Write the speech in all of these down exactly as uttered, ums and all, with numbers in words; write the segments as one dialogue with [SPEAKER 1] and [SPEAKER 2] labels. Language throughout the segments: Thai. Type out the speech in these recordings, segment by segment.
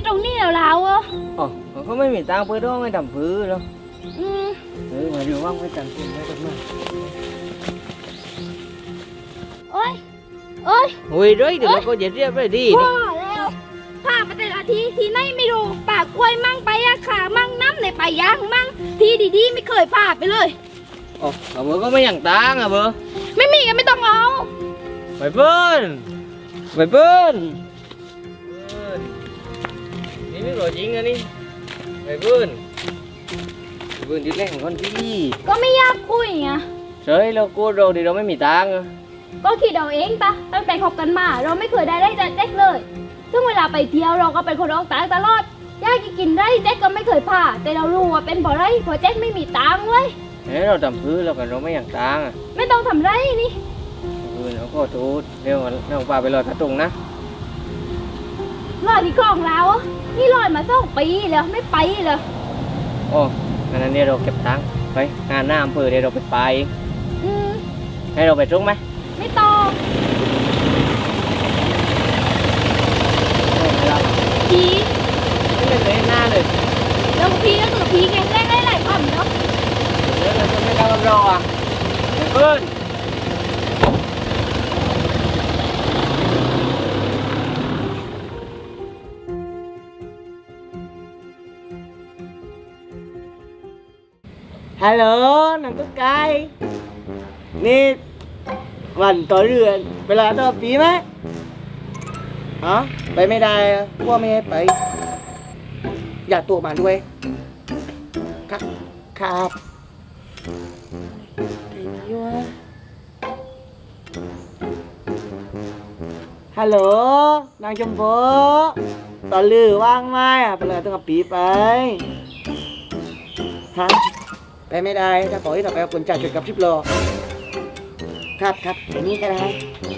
[SPEAKER 1] ตรงนี้แล้วแล้วอ่ะ
[SPEAKER 2] อ๋อเขาไม่มีตังค์เพื่อต้องให้ทำพื้นแล้ว
[SPEAKER 1] อืม
[SPEAKER 2] เออมาดูว่างไม่จังกินไม่ต้องมา
[SPEAKER 1] โอ้ยโอ้ย
[SPEAKER 2] โอ้ยด้วยเดี๋ยวเราก็จะเรียบไปดี
[SPEAKER 1] พ่อแล้วพาไปแต่ละทีทีไหนไม่รู้ปากกล้วยมั่งไปยาขามั่งน้ำในป่ายางมั่งทีดีๆไม่เคยพาไปเลย
[SPEAKER 2] อ๋อเบอร์ก็ไม่อย่างตังค์อ่ะเบอร์
[SPEAKER 1] ไม่มีก็ไม่ต้องเอา
[SPEAKER 2] ไปเบิ้ลไปเบิ้ลนี่ไม่หล่อจริงอะนี่ไปเบิ้ลไปเบิ้ลที่แรกของคนที่
[SPEAKER 1] ก็ไม่ยากคุยไง
[SPEAKER 2] เฮ้ยเราโกรธเราดิเราไม่มีตังค์
[SPEAKER 1] ก็คิดเอาเองปะตั้งแต่คบกันมาเราไม่เคยได้ได้จากแจ็คเลยซึ่งเวลาไปเที่ยวเราก็เป็นคนออกตังค์ตลอดยากกินไรแจ็คก็ไม่เคยพาแต่เรารู้ว่าเป็นเพราะไรเพราะแจ็คไม่มีตังค์เว้ย
[SPEAKER 2] เฮ้ยเราทำพื้นเรากันเราไม่อย่างตังค์
[SPEAKER 1] ไม่ต้องทำไรนี่
[SPEAKER 2] เออเราก็ทูดเร็วเราพาไปรอทัดตรงนะ
[SPEAKER 1] รอที่กองเราอ่ะนี่รอมาสองปีแล้วไม่ไปเลย
[SPEAKER 2] โอ้งั้นเดี๋ยวเราเก็บตังค์ไปงานหน้าอำเภอเดี๋ยวเราไปไปเอง
[SPEAKER 1] อืม
[SPEAKER 2] ให้เราไปตรงไหม
[SPEAKER 1] ไม่ต้องพี
[SPEAKER 2] ไม่ได้เลยหน้าเลย
[SPEAKER 1] แล้วพีก็คือพีไงแรกได้หลายคำเนาะ
[SPEAKER 2] เดี๋ยวเราจะไม่ได้รับรองอ่ะเพื่อนฮัลโหลน้องตุ๊กไก่นี่วันต่อเรือนเวลาต่อปีไหมอ๋อไปไม่ได้พวกไม่ให้ไปอยากตัวมาด้วยครับครับฮัลโหลนางชมพูต่อลือว่างไหมอ่ะเวลาต้องปีไปฮะไปไม่ได้ถ้าปล่อยต่อไปเอาคนจ่ายจุดกับชิปโลครับครับอย่างนี้ก็ได้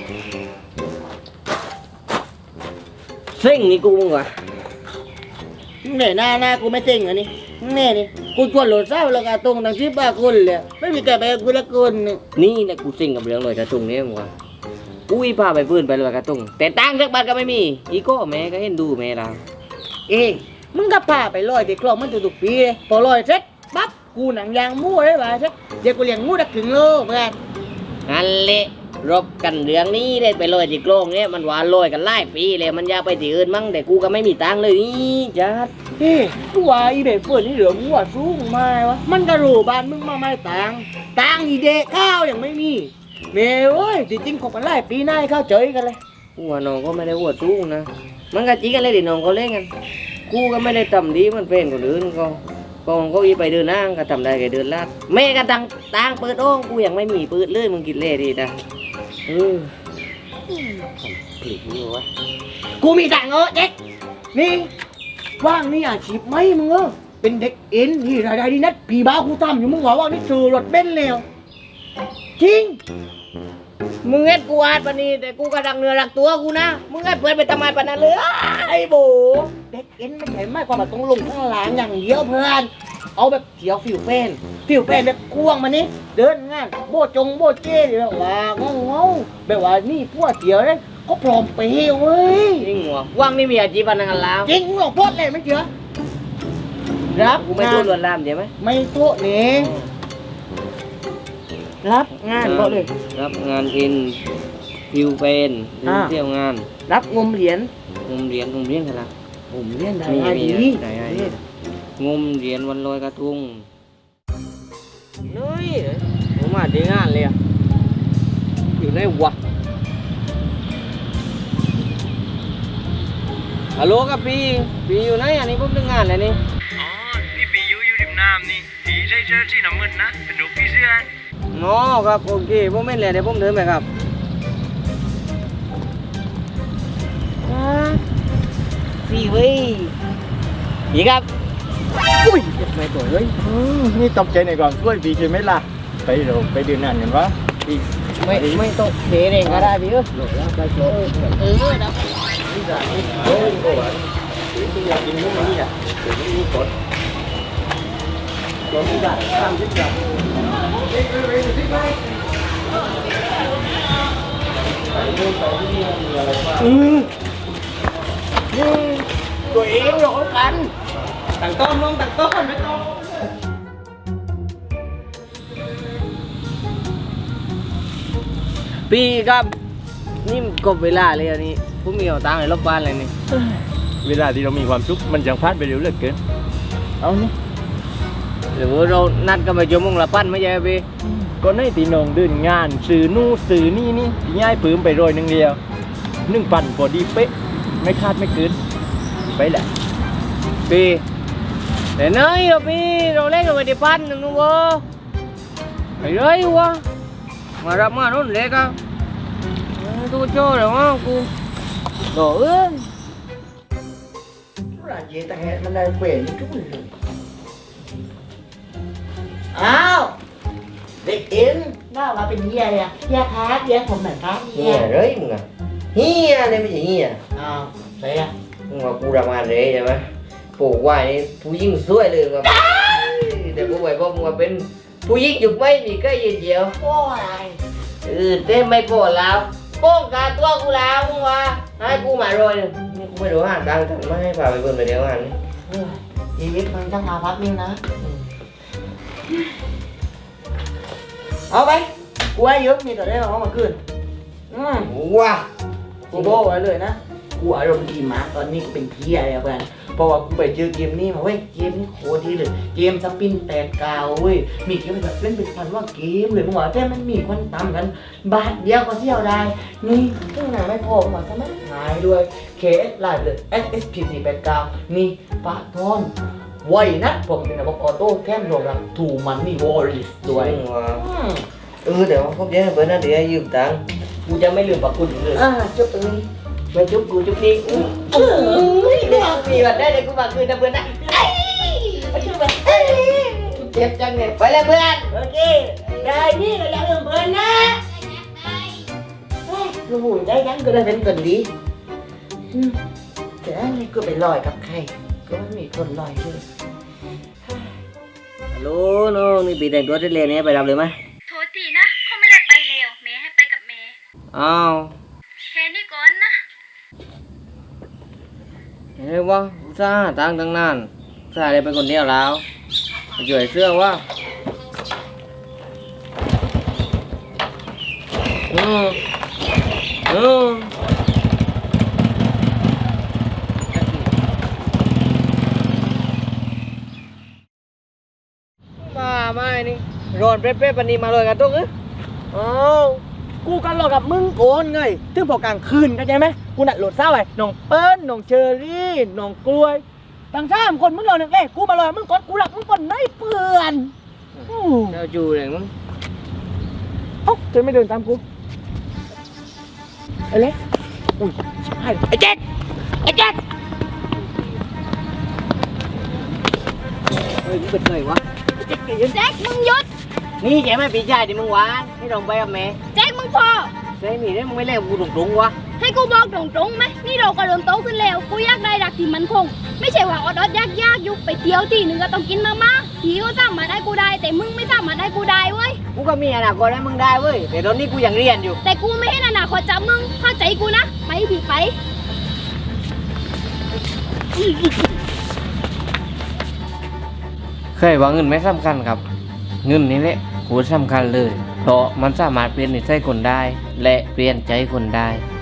[SPEAKER 2] เซ็งนี่กูมึงวะเหนื่อยหน้าหน้ากูไม่เซ็งเหรอนี่แน่นี่กูชวนโหลดเศร้าแล้วก็ตรงทางชิปบ้าคนเลยไม่มีใครไปกูละคนนี่แหละกูเซ็งกับเรื่องลอยกระทงนี่มึงวะกูอีพาไปพื้นไปลอยกระทงแต่ตังค์สักบาทก็ไม่มีอีโก้แม่ก็เห็นดูแม่เราเอ้มึงก็พาไปลอยเด็กคลองมันทุกปีเลยพอลอยเสร็จปั๊บกูหนังยางมู่ได้ป่ะเช็คเดี๋ยวกูเลี้ยงมู่ได้ถึงโลเพื่อนนั่นแหละรบกันเรื่องนี้ได้ไปลอยที่โกงเนี่ยมันหวานลอยกันหลายปีเลยมันอยากไปที่อื่นมั้งแต่กูก็ไม่มีตังค์เลยนี่จัดเฮ้กูว่าอีเด็กเฟิร์นนี่เหลือมั่วสูงมาวะมันกระโดดบ้านมึงมาไม่ตังค์ตังค์อีเด็กข้าวยังไม่มีเมย์เว้ยจริงๆคบกันหลายปีหน้าเข้าเจอกันเลยกูว่าน้องก็ไม่ได้หัวสูงนะมันก็จีกันเลยดิน้องเขาเล่นกันกูก็ไม่ได้ทำดีมันเป็นคนอื่นก็กองเขาอีไปเดินนั่งก็ทำได้แค่เดินลาดแม่ก็ตังตังเปิดโอ่งกูยังไม่มีเปิดเลยมึงกินเล่ดีนะเออผิดนี่วะกูมีตังเออเด็กนี่ว่างนี่อาชีพไหมมึงเออเป็นเด็กเอ็นที่รายได้ดีนัดปีบ้ากูทำอยู่มึงว่าว่านี่ซื้อรถเบนซ์แล้วจริงมึงเอ็ดกูอาดปนี่แต่กูกระดังเนื้อรักตัวกูนะมึงเอ็ดเปิดไปทำไมปนั้นเลยไอ้โบเด็กเอ็นไม่ใช่ไม่ความแบบต้องลงข้างหลังอย่างเดียวเพื่อนเอาแบบเขียวฟิวเฟนฟิวเฟนแบบควงมานี่เดินงานโบจงโบเจ้แบบว่างงงงแบบว่านี่พวกเสียวเลยก็พร้อมไปเว้ยจริงหัวว่างนี่มีอาชีพอะไรกันแล้วจริงหรอพอดเลยไม่เชื่อรับกูไม่ตัวลวนลามเดี๋ยวไหมไม่ตัวนี่รับงานก็เลยรับงานอินฟิวเป็นเที่ยวงานรับงมเหรียญงมเหรียญงมเหรียญอะไรงมเหรียญได้ดีได้งมเหรียญวันลอยกระทงนี่ผมมาดีงานเลยอยู่ในวัดฮัลโหลครับพี่พี่อยู่ไหนอันนี้ผมทำงานอะไรนี่
[SPEAKER 3] อ๋อนี่พี่อยู่อยู่ริมน้ำนี่พี่ใส่เสื้อสีน้ำเงินนะเป็นรูปพี่เสื้อ
[SPEAKER 2] อ๋อครับโอเคผมไม่เลยเดี๋ยวผมเดินไปครับสี่เว้ยพี่ครับอุ้ยไม่ตัวเลย
[SPEAKER 3] นี่ตกใจในก่อนช่วยพี่ใช่ไหมล่ะไปเดี๋ยวไปดื่มน้ำกันวะพี่
[SPEAKER 2] ไม่ไม่ตกเทเองก็ได้พี่เออ
[SPEAKER 3] หลบแล้วไปโชว์
[SPEAKER 2] เออนะ
[SPEAKER 3] นี่จ้ะนี่โอ้ยโอ้ยพี่อยากกินมุ้งนี่อ่ะเดี๋ยวนี้กดกดนี่ได้ทำที่จะ
[SPEAKER 2] อืมตัวเองหรอกกัน
[SPEAKER 3] ต่างต้นลงต่างต้นไม่ต้อง
[SPEAKER 2] พี่ครับนี่กบเวลาเลยอันนี้ผมมีเอาตังค์ในรอบบ้านเลยนี่
[SPEAKER 3] เวลาที่เรามีความสุขมันจังพลาดไปเร็วเหลือเกิน
[SPEAKER 2] เอานี่หรือว่าเรานัดกันไปชั่วโมงละปั้นไม่ใช่พี่
[SPEAKER 3] ก็ในตีนองเดินงานสื่อนู่นสื่อนี่นี่ที่ง่ายปืมไปโรยหนึ่งเดียวหนึ่งปั่นพอดีเป๊ะไม่คาดไม่เกินไปแหละ
[SPEAKER 2] พี่แต่เนยเราพี่เราเล่นกันไปที่ปั้นหนึ่งนู้นวะไอ้เรื่อยวะมารับมาโน่นเล็กอ่ะตัวโจ้เหรอวะกูโถ่เอ้ย
[SPEAKER 4] là chị ta hẹn mình đây quyền chút rồi áoเด็กเอ็นน่ามาเป็นเฮียเลยอะเฮียครับเฮียผมเหมือนครับเฮี
[SPEAKER 5] เฮี
[SPEAKER 4] ย
[SPEAKER 5] ยเร้ยมึงอ่ะเฮียเนี่ยไม่ใช่เฮีย
[SPEAKER 4] อ้าวใช่อะ
[SPEAKER 5] มึงว่ากูทำงานเร้ใช่ไหมปลูกไว้นี่ผู้หญิงสวยเลยมึงว่าแต่กูไปบอกมึงว่าเป็นผู้หญิงยุคไม่มีใกล้ยืนเดียว
[SPEAKER 4] โอ้อะไร
[SPEAKER 5] เออเต้ไม่โปรดแล้วโป้งกาตัวกูแล้วมึงว่าให้กูมาโรยหนึ่งนี่กูไม่รู้หาตังค์ทำไม่ให้พาไปเบิ่งไปเดียวงานนี่
[SPEAKER 4] เออชีวิตมันต้องมาพักนึงนะเอาไปกูให้เยอะมีแต่ได้มาเอามาคืนอืม
[SPEAKER 5] ว้า
[SPEAKER 4] กูบอกไว้เลยนะกูอารมณ์ดีมากตอนนี้กูเป็นเฮียเลยอะเพื่อนเพราะว่ากูไปเจอเกมนี้มาเว้ยเกมนี้โคตรดีเลยเกมสปินแตกกาวเว้ยมีเกมแบบเล่นเป็นพันว่าเกมเลยมึงว่าแต่มันมีคนตามกัน บาทเดียวก็เที่ยวได้ นี่ซึ่งหนาไม่พอมาสมัครหายด้วย เค เอส ไลน์เลย เอส เอส พี สี่ แปด เก้า นี่ปะทอนไวนะผมเป็นระบบออโต้แค่รวมรับถูมันนี่วอลลิสด้วย
[SPEAKER 5] มึงว่า
[SPEAKER 4] อืม
[SPEAKER 5] เออเดี๋ยวพบเจ๊เพื่อนนะเดี๋ยวให้ยืมตังค์กูจะไม่ลืมปากคุณเลย
[SPEAKER 4] อ่าจุดตรงนี้
[SPEAKER 5] ไปจุ๊บกูจุ๊บนี่อู้
[SPEAKER 4] เออ
[SPEAKER 5] เดี๋ยวมีบัตรได้เดี๋ยวกูมาคืนนะเพื่อนนะ
[SPEAKER 4] ไปช่วยไปเอ้ย
[SPEAKER 5] เจ็บจังเนี่ยไปเลยเพื่อน
[SPEAKER 4] โอเคได้นี่ก็อย่าลืมเพื่อนนะเฮ้ยลูกหูได้ยังก็ได้เป็นคนดีอืมแต่อันนี้ก็ไปลอยกับใครก็ไม่มีคนลอยด้วย
[SPEAKER 2] ฮัลโหลน้องนี่ปีแต่งตัวที่เรียนนี้ไปรับเลยไหม
[SPEAKER 1] โทษทีนะเขาไม่ได้ไปเร็วเมย์ให้ไปกับเมย์
[SPEAKER 2] อ้าว
[SPEAKER 1] แค่นี้ก่อนนะ
[SPEAKER 2] เฮ้ยวะอุตส่าห์หาตังค์ตั้งนานอุตส่าห์ได้เป็นคนเดียวแล้วไปช่วยเสื้อวะอืมอืมมาไม่นี่ร้อนเปรี้ยวๆปันนี้มาเลยกันตุ๊กเอ้ย
[SPEAKER 4] อ้าวกูกันหลอกกับมึงโกนไงถึงพอกลางคืนเข้าใจไหมกูนัดโหลดเศร้าไอ้น้องเปิ้ลน้องเชอรี่น้องกล้วยต่างชาติคนมึงหลอกหนึ่งเอ้ยกูมาหลอกมึงก่อนกูหลักมึงก่อนไม่เปื่อนอู้
[SPEAKER 2] เจ้าจูเลยมึง
[SPEAKER 4] เอ้าเธอไม่เดินตามกูไอ้เล็กอุ้ยชิบหายไอ้เจ็ดไอ้เจ็ด
[SPEAKER 2] เฮ้ยมึงเป็นไงวะ
[SPEAKER 4] ไอ้เจ็ดเกย์
[SPEAKER 1] แจ็คมึงหยุด
[SPEAKER 2] นี่แกไม่ปีชายดิมึงหวานนี่ลองไปกับแม่
[SPEAKER 1] แจ็คมึงพอ
[SPEAKER 2] ใช่มีได้มึงไม่เล่นกูตรงๆวะ
[SPEAKER 1] ให้กูบอกตรงๆไหมนี่เราก็เริ่มโตขึ้นแล้ว กูอยากได้รักที่มันคง ไม่ใช่ว่าอดอดยากยากๆยุบไปเที่ยวที่หนึ่งก็ต้องกินมาม่าผีก็สร้างมาได้กูได้ แต่มึงไม่สร้างมาได้กูได้เว้ย
[SPEAKER 2] กูก็มีอนาคตให้มึงได้เว้ยแต่ตอนนี้กูยังเรียนอยู่
[SPEAKER 1] แต่กูไม่ให้อนาคตจากมึงเข้าใจกูนะ ไปดิไป
[SPEAKER 2] เคยว่าเงินไม่สำคัญครับ เงินนี่แหละกูสำคัญเลย เพราะมันสามารถเปลี่ยนนิสัยคนได้ และเปลี่ยนใจคนได้